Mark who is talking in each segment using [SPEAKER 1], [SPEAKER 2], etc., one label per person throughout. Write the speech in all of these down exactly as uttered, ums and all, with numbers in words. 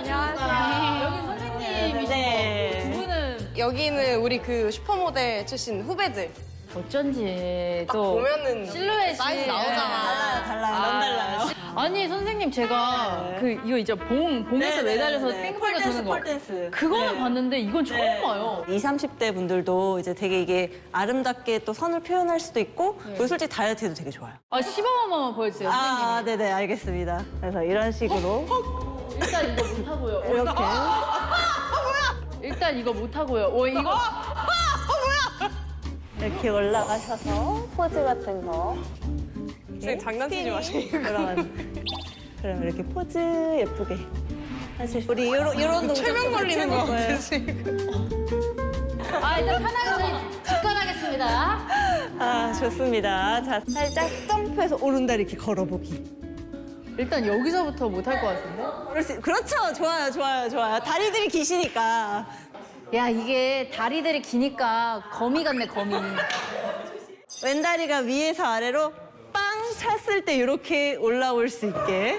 [SPEAKER 1] 안녕하세요. 여기 선생님이시고
[SPEAKER 2] 네.
[SPEAKER 1] 두 분은
[SPEAKER 3] 여기는 우리 그 슈퍼모델 출신 후배들.
[SPEAKER 1] 어쩐지
[SPEAKER 3] 딱
[SPEAKER 1] 또
[SPEAKER 3] 보면은
[SPEAKER 1] 실루엣이
[SPEAKER 3] 사이즈 나오잖아.
[SPEAKER 2] 달라요, 너무 달라요.
[SPEAKER 1] 아니 선생님 제가
[SPEAKER 2] 네.
[SPEAKER 1] 그 이거 이제 봉 봉에서
[SPEAKER 2] 네,
[SPEAKER 1] 매달려서
[SPEAKER 2] 네, 네.
[SPEAKER 1] 뺑뺑이 도는 거
[SPEAKER 2] 폴댄스.
[SPEAKER 1] 그거는
[SPEAKER 2] 네.
[SPEAKER 1] 봤는데 이건 처음
[SPEAKER 2] 네.
[SPEAKER 1] 봐요.
[SPEAKER 2] 이십, 삼십 대 분들도 이제 되게 이게 아름답게 또 선을 표현할 수도 있고 그리고 솔직히 다이어트에도 되게 좋아요.
[SPEAKER 1] 아 시범 한번 보여주세요 선생님.
[SPEAKER 2] 아, 네네, 알겠습니다. 그래서 이런 식으로
[SPEAKER 1] 일단 이거 못 하고요.
[SPEAKER 2] 이렇게
[SPEAKER 1] 일단 이거 못 하고요. 오 이거
[SPEAKER 2] 이렇게 올라가셔서 포즈 같은 거.
[SPEAKER 3] 선생님 장난치지 마시고.
[SPEAKER 2] 그러면 그럼 이렇게 포즈 예쁘게 하실 수 우리 요런 요런 동작
[SPEAKER 3] 최면 걸리는 거 같아 지금.
[SPEAKER 1] 아 일단 편하게 저희 직관하겠습니다.
[SPEAKER 2] 아, 좋습니다. 자, 살짝 점프해서 오른다리 이렇게 걸어보기.
[SPEAKER 1] 일단 여기서부터 못 할 것 같은데?
[SPEAKER 2] 그럴 수- 그렇죠. 좋아요, 좋아요, 좋아요. 다리들이 기시니까.
[SPEAKER 1] 야 이게 다리들이 기니까 거미 같네 거미.
[SPEAKER 2] 왼다리가 위에서 아래로 빵 찼을 때 이렇게 올라올 수 있게.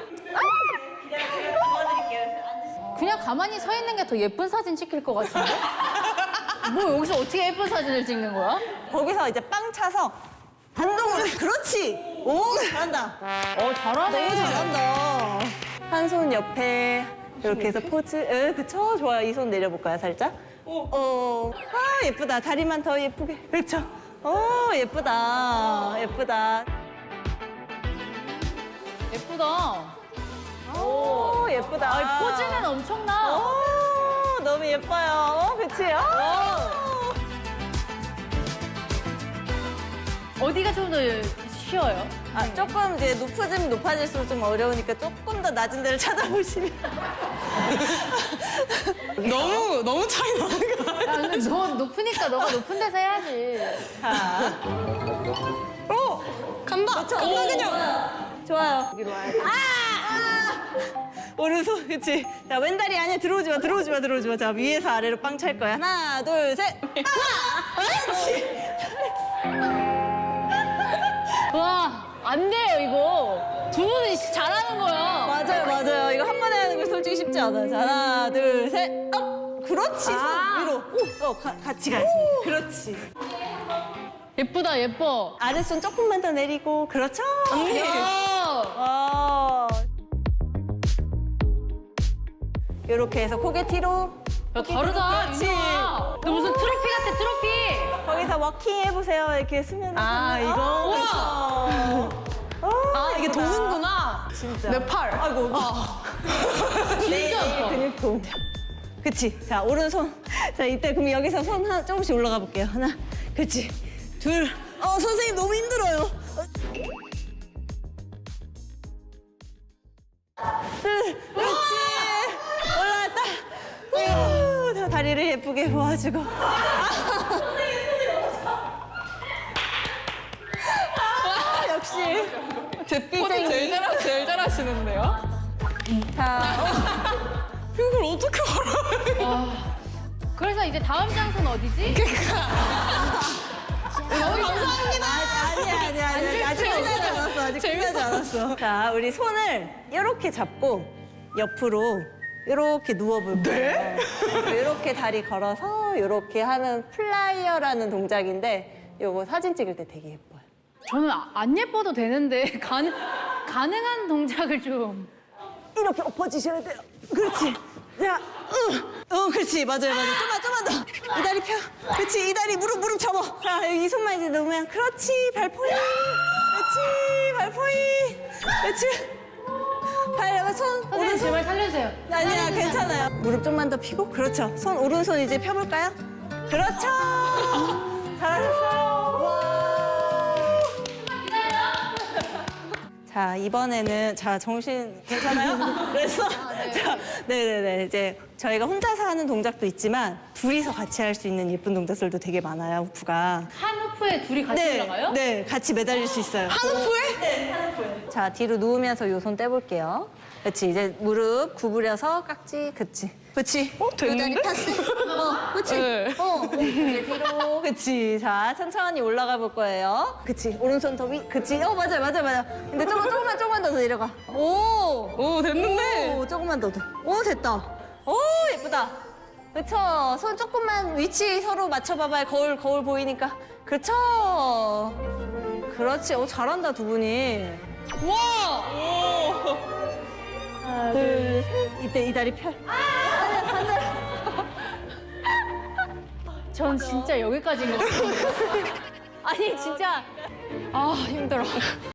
[SPEAKER 1] 그냥 가만히 서 있는 게 더 예쁜 사진 찍힐 것 같은데? 뭐 여기서 어떻게 예쁜 사진을 찍는 거야?
[SPEAKER 2] 거기서 이제 빵 차서 반동으로. 그렇지. 오, 잘한다.
[SPEAKER 1] 어 잘하네.
[SPEAKER 2] 너무 잘한다. 한 손 옆에 이렇게 해서 포즈. 에, 그쵸? 좋아요. 이 손 내려볼까요, 살짝? 어. 아, 예쁘다. 다리만 더 예쁘게. 그렇죠. 어, 예쁘다. 예쁘다.
[SPEAKER 1] 예쁘다.
[SPEAKER 2] 오, 예쁘다.
[SPEAKER 1] 아, 포즈는 엄청나.
[SPEAKER 2] 오, 너무 예뻐요. 어, 그치? 어.
[SPEAKER 1] 어디가 좀 더 쉬워요?
[SPEAKER 2] 아, 조금 이제 높아지면 높아질수록 좀 어려우니까 조금 더 낮은 데를 찾아보시면.
[SPEAKER 3] 너무 너무 차이 나는 거 아니야?
[SPEAKER 1] 야, 근데 너 높으니까 너가 높은 데서 해야지.
[SPEAKER 2] 자.
[SPEAKER 3] 오! 간다! 간다 그냥!
[SPEAKER 2] 좋아요. 여기로 와야 돼. 아! 아! 오른손, 그치? 자, 왼다리 안에 들어오지 마, 들어오지 마, 들어오지 마. 자, 위에서 아래로 빵 찰 거야. 하나, 둘, 셋. 아! 그렇지.
[SPEAKER 1] 와, 안 돼요, 이거. 두 분은 잘하는 거야.
[SPEAKER 2] 맞아요, 맞아요. 이거 한 번에 하는 거 솔직히 쉽지 않아요. 자, 하나, 둘, 셋. 업! 그렇지. 손
[SPEAKER 1] 아.
[SPEAKER 2] 위로. 어, 가, 같이 가야지. 그렇지.
[SPEAKER 1] 예쁘다, 예뻐.
[SPEAKER 2] 아랫손 조금만 더 내리고. 그렇죠. 언니.
[SPEAKER 1] 야.
[SPEAKER 2] 어. 이렇게 해서 고개 뒤로.
[SPEAKER 1] 야, 다르다.
[SPEAKER 2] 그렇지.
[SPEAKER 1] 윤정아. 너 무슨 트로피 같아, 트로피.
[SPEAKER 2] 거기서 워킹 해보세요. 이렇게 수면.
[SPEAKER 1] 아, 이거?
[SPEAKER 2] 우와.
[SPEAKER 3] 아, 이게 도는구나.
[SPEAKER 2] 진짜.
[SPEAKER 3] 내 팔.
[SPEAKER 2] 아이고.
[SPEAKER 1] 진짜 아파.
[SPEAKER 2] 근육통. 그치. 자, 오른손. 자, 이때 그럼 여기서 손 하나 조금씩 올라가 볼게요. 하나. 그치. 둘. 어, 선생님 너무 힘들어요. 어. 둘. 그렇지. 올라왔다. 후. 자, 다리를 예쁘게 모아주고. 아, 역시.
[SPEAKER 3] 제 포즈 제일, 잘, 제일 잘하시는데요?
[SPEAKER 2] 자,
[SPEAKER 3] 이걸 어떻게 알아요?
[SPEAKER 1] 아, 그래서 이제 다음 장소는 어디지?
[SPEAKER 3] 너무 감사합니다.
[SPEAKER 2] 아니야, 아니야, 아니야. 아직 끝나지 않았어. 아직 끝나지 않았어. 자, 우리 손을 이렇게 잡고 옆으로 이렇게 누워볼 거예요. 네? 이렇게 다리 걸어서 이렇게 하는 플라이어라는 동작인데 이거 사진 찍을 때 되게 예뻐요.
[SPEAKER 1] 저는 아- 안 예뻐도 되는데 가능, 가능한 동작을 좀.
[SPEAKER 2] 이렇게 엎어지셔야 돼요. 그렇지. 자, 어, 어, 그렇지. 맞아요, 맞아요. 좀만, 좀만 더. 이 다리 펴. 그렇지. 이 다리 무릎, 무릎 접어. 자, 여기 이 손만 이제 놓으면. 그렇지. 발 포인. 그렇지. 발 포인. 그렇지. 발, 손,
[SPEAKER 1] 선생님
[SPEAKER 2] 오른손.
[SPEAKER 1] 제발 살려주세요.
[SPEAKER 2] 아니야, 괜찮아요. 무릎 좀만 더 펴고. 그렇죠. 손, 오른손 이제 펴볼까요? 그렇죠. 잘하셨어요. 와. 자, 이번에는, 자, 정신 괜찮아요? 그래서, 자, 네네네. 이제 저희가 혼자서 하는 동작도 있지만, 둘이서 같이 할 수 있는 예쁜 동작들도 되게 많아요, 후프가.
[SPEAKER 1] 한 후프에 둘이 같이 올라가요?
[SPEAKER 2] 네, 같이 매달릴 수 있어요.
[SPEAKER 3] 한 후에?
[SPEAKER 2] 네, 한 후에. 자, 뒤로 누우면서 요 손 떼볼게요. 그렇지, 이제 무릎 구부려서 깍지, 그치. 그치.
[SPEAKER 3] 어, 됐는데?
[SPEAKER 2] 요 다리 폈어? 어, 그치.
[SPEAKER 3] 네.
[SPEAKER 2] 어, 이제 뒤로. 그치. 자, 천천히 올라가 볼 거예요. 그치. 오른손 더 위. 그치. 어, 맞아요, 맞아요, 맞아요. 근데 조금, 조금만, 조금만 더 내려가. 오!
[SPEAKER 3] 오, 됐는데?
[SPEAKER 2] 오, 조금만 더 더. 오, 됐다. 오, 예쁘다. 그쵸? 손 조금만 위치 서로 맞춰봐봐요. 거울, 거울 보이니까. 그쵸? 그렇지. 오, 잘한다, 두 분이.
[SPEAKER 3] 와!
[SPEAKER 2] 하나, 둘, 셋. 이때 이 다리 펴.
[SPEAKER 1] 전 진짜 여기까지인 것 같아요. 아니 진짜
[SPEAKER 3] 아, 힘들어.